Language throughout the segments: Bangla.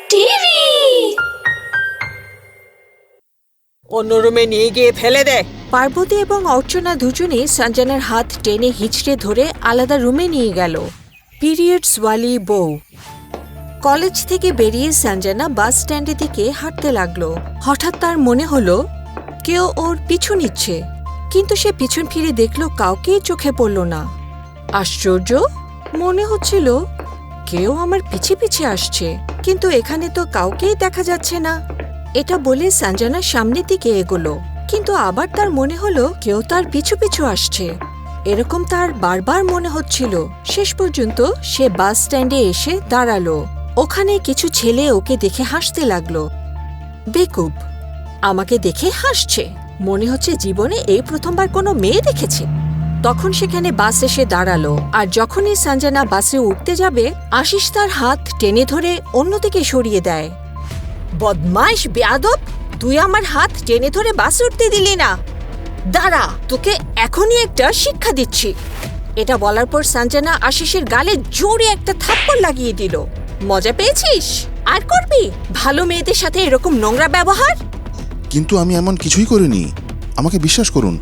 টিভি অন্য রুমে নিয়ে গিয়ে ফেলে দে। পার্বতী এবং অর্চনা দুজনেই সঞ্জনার হাত টেনে হিঁচড়ে ধরে আলাদা রুমে নিয়ে গেল। পিরিয়ডস ওয়ালি বউ। কলেজ থেকে বেরিয়ে সঞ্জনা বাস স্ট্যান্ডের দিকে হাঁটতে লাগলো। হঠাৎ তার মনে হলো কেউ ওর পিছু নিচ্ছে, কিন্তু সে পিছন ফিরে দেখলো কাউকেই চোখে পড়ল না। আশ্চর্য, মনে হচ্ছিল কেউ আমার পিছে পিছে আসছে, কিন্তু এখানে তো কাউকেই দেখা যাচ্ছে না। এটা বলে সঞ্জনা সামনের দিকে এগোলো, কিন্তু আবার তার মনে হলো কেউ তার পিছু পিছু আসছে। এরকম তার বারবার মনে হচ্ছিল। শেষ পর্যন্ত সে বাস স্ট্যান্ডে এসে দাঁড়ালো। ওখানে কিছু ছেলে ওকে দেখে হাসতে লাগলো। বেকুব, আমাকে দেখে হাসছে, মনে হচ্ছে জীবনে এই প্রথমবার কোনো মেয়ে দেখেছে। তখন সেখানে বাস এসে দাঁড়ালো, আর যখনই সঞ্জনা বাসে উঠতে যাবে আশিস তার হাত টেনে ধরে অন্যদিকে সরিয়ে দেয়। বদমাইশ বেয়াদব, তুই আমার হাত টেনে ধরে বাসে উঠতে দিলি না। দাঁড়া, তোকে এখনই একটা শিক্ষা দিচ্ছি। এটা বলার পর সঞ্জনা আশিসের গালে জোরে একটা থাপ্পড় লাগিয়ে দিল। মজা পেয়েছিস? আর করবি ভালো মেয়েদের সাথে এরকম নোংরা ব্যবহার? কিন্তু আমি এমন কিছুই করিনি, আমাকে বিশ্বাস করুন।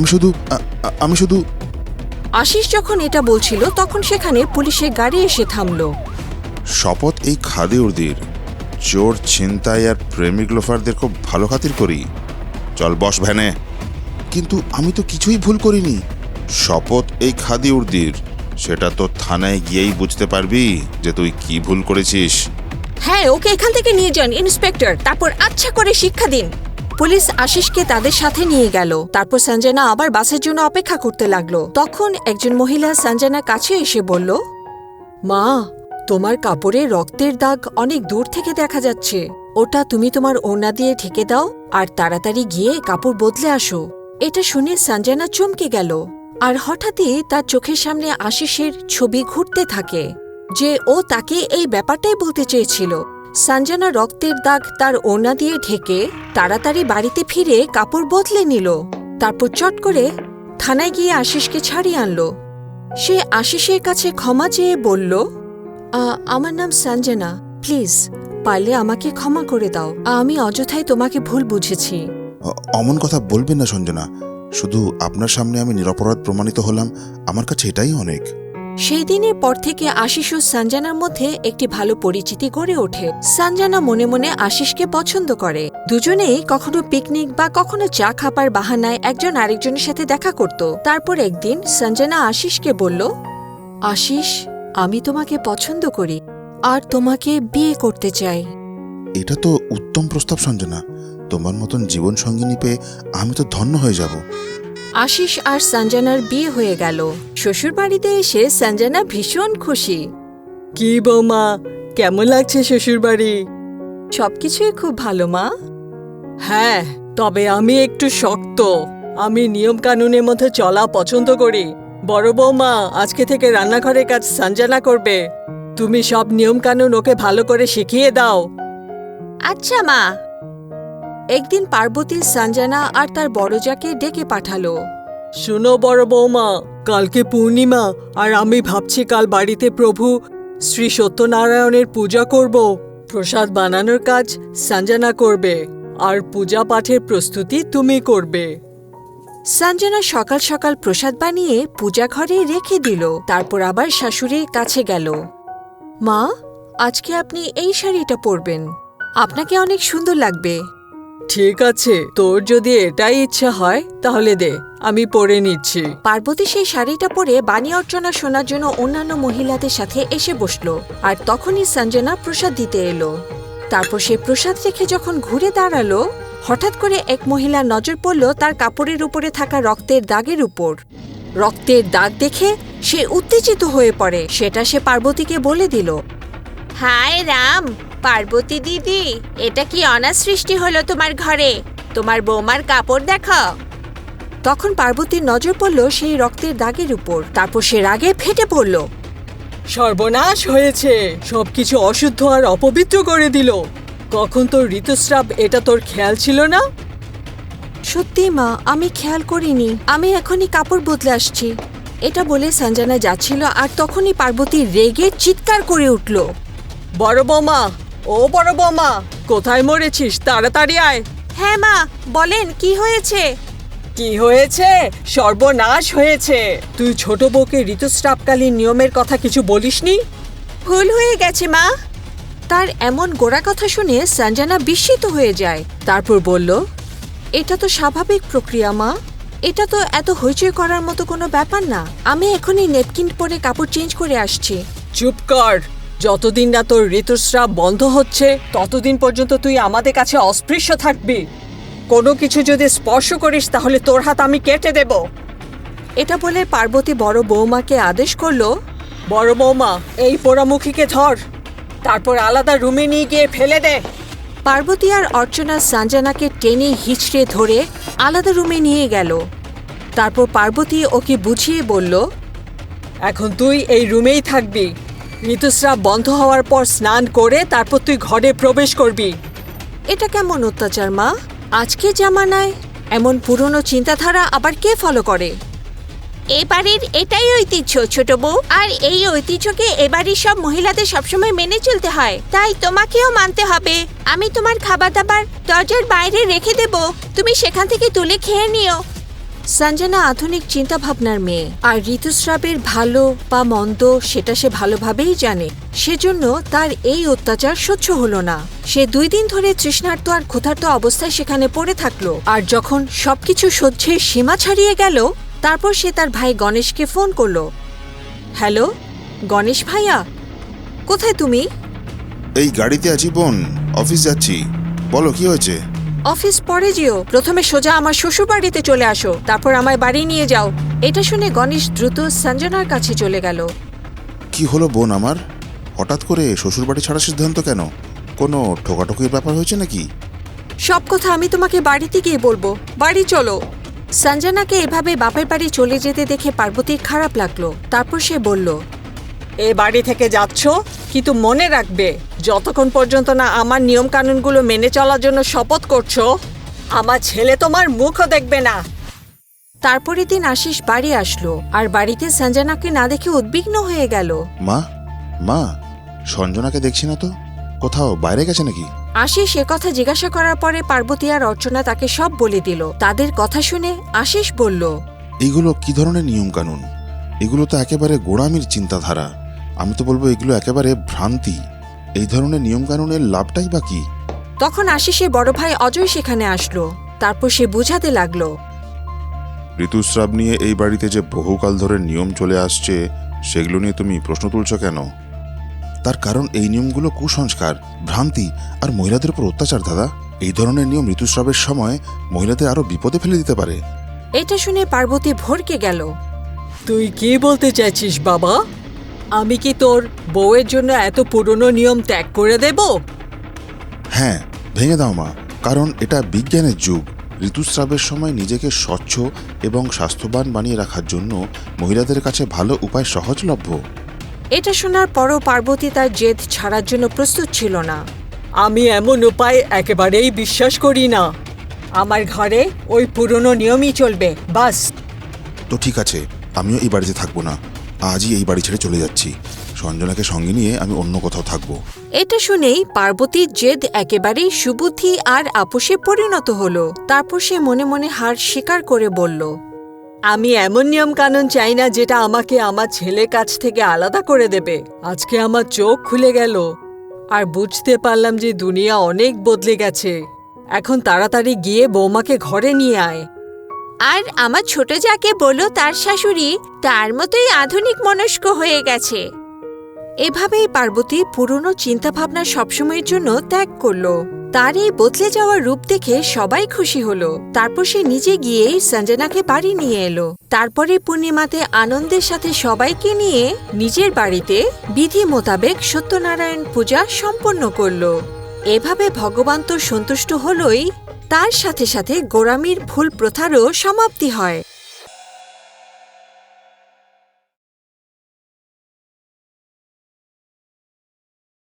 আমি শুধু আশিস যখন এটা বলছিল তখন সেখানে পুলিশের গাড়ি এসে থামলো। শপথ এই খাদেউরদের, চোর, ছিনতাই আর প্রেমিক লোফারদের খুব ভালো খাতির করি। চল বস ভ্যানে। কিন্তু আমি তো কিছুই ভুল করিনি। শপথ এই খাদিউরদের, সেটা তো থানায় গিয়েই বুঝতে পারবি যে তুই কি ভুল করেছিস। হ্যাঁ, ওকে এখান থেকে নিয়ে যান ইন্সপেক্টর, তারপর আচ্ছা করে শিক্ষা দিন। পুলিশ আশিসকে তাদের সাথে নিয়ে গেল। তারপর সঞ্জনা আবার বাসের জন্য অপেক্ষা করতে লাগলো। তখন একজন মহিলা সঞ্জনার কাছে এসে বলল, মা, তোমার কাপড়ে রক্তের দাগ অনেক দূর থেকে দেখা যাচ্ছে। ওটা তুমি তোমার ওড়না দিয়ে ঢেকে দাও আর তাড়াতাড়ি গিয়ে কাপড় বদলে আসো। এটা শুনে সঞ্জনা চমকে গেল, আর হঠাৎই তার চোখের সামনে আশিসের ছবি ঘুরতে থাকে, যে ও তাকে এই ব্যাপারটাই বলতে চেয়েছিল। সঞ্জনা রক্তের দাগ তার ওড়না দিয়ে ঢেকে তাড়াতাড়ি বাড়িতে ফিরে কাপড় বদলে নিল। তারপর চট করে থানায় গিয়ে আশিসকে ছাড়িয়ে আনলো। সে আশিসের কাছে ক্ষমা চেয়ে বলল, আমার নাম সঞ্জনা, প্লিজ পারলে আমাকে ক্ষমা করে দাও। আমি অযথাই তোমাকে ভুল বুঝেছি। অমন কথা বলবেন না সঞ্জনা, শুধু আপনার সামনে আমি নিরপরাধ প্রমাণিত হলাম, আমার কাছে এটাই অনেক। সেই দিনের পর থেকে আশিস ও সঞ্জনার মধ্যে একটি ভালো পরিচিতি গড়ে ওঠে। সঞ্জনা মনে মনে আশিসকে পছন্দ করে। দুজনেই কখনো পিকনিক বা কখনো চা খাবার বাহানায় একজন আরেকজনের সাথে দেখা করত। তারপর একদিন সঞ্জনা আশিসকে বলল, আশিস, আমি তোমাকে পছন্দ করি আর তোমাকে বিয়ে করতে চাই। এটা তো উত্তম প্রস্তাব সঞ্জনা, তোমার মতন জীবন সঙ্গিনী পেয়ে আমি তো ধন্য হয়ে যাব। আশিস আর সঞ্জনার বিয়ে হয়ে গেল। শ্বশুর বাড়িতে এসে সঞ্জনা ভীষণ খুশি। কি বৌমা, কেমন লাগছে শ্বশুর বাড়ি? সবকিছুই খুব ভালো মা। হ্যাঁ, তবে আমি একটু শক্ত। আমি নিয়ম কানুনের মধ্যে চলা পছন্দ করি। বড় বৌমা আজকে থেকে রান্নাঘরের কাজ সঞ্জনা করবে। তুমি সব নিয়ম কানুন ওকে ভালো করে শিখিয়ে দাও। আচ্ছা মা। একদিন পার্বতী সঞ্জনা আর তার বড়জাকে ডেকে পাঠালো। শুনো বড় বৌমা, কালকে পূর্ণিমা, আর আমি ভাবছি কাল বাড়িতে প্রভু শ্রী সত্যনারায়ণের পূজা করব। প্রসাদ বানানোর কাজ সঞ্জনা করবে, আর পূজা পাঠের প্রস্তুতি তুমি করবে। সঞ্জনা সকাল সকাল প্রসাদ বানিয়ে পূজা ঘরে রেখে দিল। তারপর আবার শাশুড়ির কাছে গেল। মা, আজকে আপনি এই শাড়িটা পরবেন, আপনাকে অনেক সুন্দর লাগবে। ঠিক আছে, তোর যদি এটাই ইচ্ছা হয় তাহলে দে, আমি পরে নিচ্ছি। পার্বতী সেই শাড়িটা পরে বাণী অর্চনা শোনার জন্য অন্যান্য মহিলাদের সাথে এসে বসলো। আর তখনই সঞ্জনা প্রসাদ দিতে এলো। তারপর সে প্রসাদ রেখে যখন ঘুরে দাঁড়ালো, হঠাৎ করে এক মহিলার নজর পড়ল তার কাপড়ের উপরে থাকা রক্তের দাগের উপর। রক্তের দাগ দেখে সে উত্তেজিত হয়ে পড়ে। সেটা সে পার্বতীকে বলে দিল। হায় রাম, পার্বতী দিদি, এটা কি অনাথ সৃষ্টি হলো তোমার ঘরে? তোমার বৌমার কাপড় দেখো। তখন পার্বতীর নজর পড়ল সেই রক্তের দাগের উপর। তারপর সে রাগে ফেটে পড়ল। সর্বনাশ হয়েছে, সবকিছু অশুদ্ধ আর অপবিত্র করে দিল। কখন তোর ঋতুস্রাব, এটা তোর খেয়াল ছিল না? সত্যি মা, আমি খেয়াল করিনি। আমি এখনই কাপড় বদলে আসছি। এটা বলে সঞ্জনা যাচ্ছিল, আর তখনই পার্বতী রেগে চিৎকার করে উঠল। বড় বৌমা, ও বড় বৌমা, কোথায় মরেছিস? তাড়াতাড়ি আয়। হ্যাঁ মা, বলেন কি হয়েছে? কি হয়েছে? সর্বনাশ হয়েছে। তুই ছোট বউকে ঋতুস্রাবকালীন নিয়মের কথা কিছু বলিসনি? ভুল হয়ে গেছে মা। তার এমন গোড়া কথা শুনে সঞ্জনা বিস্মিত হয়ে যায়। তারপর বলল, এটা তো স্বাভাবিক প্রক্রিয়া মা, এটা তো এত হইচই করার মতো কোনো ব্যাপার না। আমি এখনই নেপকিন পরে কাপড় চেঞ্জ করে আসছি। চুপ কর। যতদিন না তোর ঋতুস্রাব বন্ধ হচ্ছে ততদিন পর্যন্ত তুই আমাদের কাছে অস্পৃশ্য থাকবি। কোনো কিছু যদি স্পর্শ করিস তাহলে তোর হাত আমি কেটে দেব। এটা বলে পার্বতী বড় বৌমাকে আদেশ করলো, বড় বৌমা, এই পোড়ামুখীকে ধর, তারপর আলাদা রুমে নিয়ে গিয়ে ফেলে দে। পার্বতী আর অর্চনা সঞ্জনাকে টেনে হিচড়ে ধরে আলাদা রুমে নিয়ে গেল। তারপর পার্বতী ওকে বুঝিয়ে বলল, এখন তুই এই রুমেই থাকবি। ঋতুস্রাব বন্ধ হওয়ার পর স্নান করে তারপর তুই ঘরে প্রবেশ করবি। এটা কেমন অত্যাচার মা? আজকে জামানায় এমন পুরনো চিন্তাধারা আবার কে ফলো করে? এ বাড়ির এটাই ঐতিহ্য ছোট বউ, আর এই ঐতিহ্যকে এ বাড়ির সব মহিলাদের সবসময় মেনে চলতে হয়, তাই তোমাকেও মানতে হবে। আমি তোমার খাবার দাবার দরজার বাইরে রেখে দেব, তুমি সেখান থেকে তুলে খেয়ে নিও। সঞ্জনা আধুনিক চিন্তা ভাবনার মেয়ে, আর ঋতুস্রাবের ভালো বা মন্দ সেটা সে ভালোভাবেই জানে। সেজন্য তার এই অত্যাচার সহ্য হলো না। সে 2 দিন ধরে তৃষ্ণার্ত আর ক্ষুধার্ত অবস্থায় সেখানে পড়ে থাকলো। আর যখন সবকিছু সহ্যের সীমা ছাড়িয়ে গেল, তারপর সে তার ভাই গণেশকে ফোন করলো। হ্যালো গণেশ ভাইয়া, কোথায় তুমি? এই গাড়িতে আছি বোন, অফিস যাচ্ছি। বলো কি হয়েছে? অফিস পরে যেও, প্রথমে সোজা আমার শ্বশুর বাড়িতে চলে আসো, তারপর আমায় বাড়ি নিয়ে যাও। এটা শুনে গণেশ দ্রুত সঞ্জনার কাছে চলে গেল। কি হলো বোন আমার? হঠাৎ করে শ্বশুরবাড়ি ছাড়ার সিদ্ধান্ত কেন? কোনো ঠোকাঠুকির ব্যাপার হয়েছে নাকি? সব কথা আমি তোমাকে বাড়িতে গিয়ে বলবো, বাড়ি চলো। সঞ্জনাকে এভাবে বাপের বাড়ি চলে যেতে দেখে পার্বতীর খারাপ লাগলো। তারপর সে বলল, এ বাড়ি থেকে যাচ্ছ, কিন্তু মনে রাখবে যতক্ষণ পর্যন্ত না আমার নিয়ম কানুনগুলো মেনে চলার জন্য শপথ করছো, আমার ছেলে তোমার মুখও দেখবে না। তারপরের দিন আশিস বাড়ি আসলো, আর বাড়িতে সঞ্জনাকে না দেখে উদ্বিগ্ন হয়ে গেল। মা, মা, সঞ্জনাকে দেখছি না তো, কোথাও বাইরে গেছে নাকি? আশিস কথা জিজ্ঞাসা করার পরে পার্বতী আর অর্চনা তাকে সব বলে দিল। তাদের কথা শুনে আশিস বলল, এইগুলো কি ধরনের নিয়ম কানুন? এগুলো তো একেবারে গোঁড়ামির চিন্তাধারা। আমি তো বলবো এগুলো একেবারে ভ্রান্তি। এই ধরনের নিয়ম কানুনের লাভটাই বা কি? তখন আশিসের বড় ভাই অজয় সেখানে আসলো। তারপর সে বুঝাতে লাগলো, ঋতুস্রাব নিয়ে এই বাড়িতে যে বহুকাল ধরে নিয়ম চলে আসছে, সেগুলো নিয়ে তুমি প্রশ্ন তুলছ কেন? তার কারণ এই নিয়মগুলো কুসংস্কার, ভ্রান্তি আর মহিলাদের উপর অত্যাচার দাদা। এই ধরনের নিয়ম ঋতুস্রাবের সময় মহিলাদের আরো বিপদে ফেলে দিতে পারে। এটা শুনে পার্বতী ভরকে গেল। তুই কি বলতে চাইছিস বাবা? আমি কি তোর বউয়ের জন্য এত পুরনো নিয়ম ত্যাগ করে দেব? হ্যাঁ, ভেঙে দাও মা, কারণ এটা বিজ্ঞানের যুগ। ঋতুস্রাবের সময় নিজেকে স্বচ্ছ এবং স্বাস্থ্যবান বানিয়ে রাখার জন্য মহিলাদের কাছে ভালো উপায় সহজলভ্য। এটা শোনার পরও পার্বতী তার জেদ ছাড়ার জন্য প্রস্তুত ছিল না। আমি এমন উপায় একেবারেই বিশ্বাস করি না। আমার ঘরে ওই পুরনো নিয়মই চলবে, বাস। তো ঠিক আছে, আমিও এই বাড়িতে থাকবো না। আজই এই বাড়ি ছেড়ে চলে যাচ্ছি। সঞ্জনাকে সঙ্গে নিয়ে আমি অন্য কোথাও থাকবো। এটা শুনেই পার্বতীর জেদ একেবারেই সুবুদ্ধি আর আপোষে পরিণত হলো। তারপর সে মনে মনে হার স্বীকার করে বলল, আমি এমন নিয়ম কানুন চাই না যেটা আমাকে আমার ছেলের কাছ থেকে আলাদা করে দেবে। আজকে আমার চোখ খুলে গেল আর বুঝতে পারলাম যে দুনিয়া অনেক বদলে গেছে। এখন তাড়াতাড়ি গিয়ে বৌমাকে ঘরে নিয়ে আয়। আর আমার ছোট যাকে বলো তার শাশুড়ি তার মতোই আধুনিক মনস্ক হয়ে গেছে। এভাবেই পার্বতী পুরনো চিন্তাভাবনা সবসময়ের জন্য ত্যাগ করলো। তার এই বদলে যাওয়া রূপ দেখে সবাই খুশি হলো। তারপর সে নিজে গিয়েই সঞ্জনাকে বাড়ি নিয়ে এলো। তারপরে পূর্ণিমাতে আনন্দের সাথে সবাইকে নিয়ে নিজের বাড়িতে বিধি মোতাবেক সত্যনারায়ণ পূজা সম্পন্ন করলো। এভাবে ভগবান তো সন্তুষ্ট হলোই, তার সাথে সাথে গোঁড়ামির ভুল প্রথারও সমাপ্তি হয়।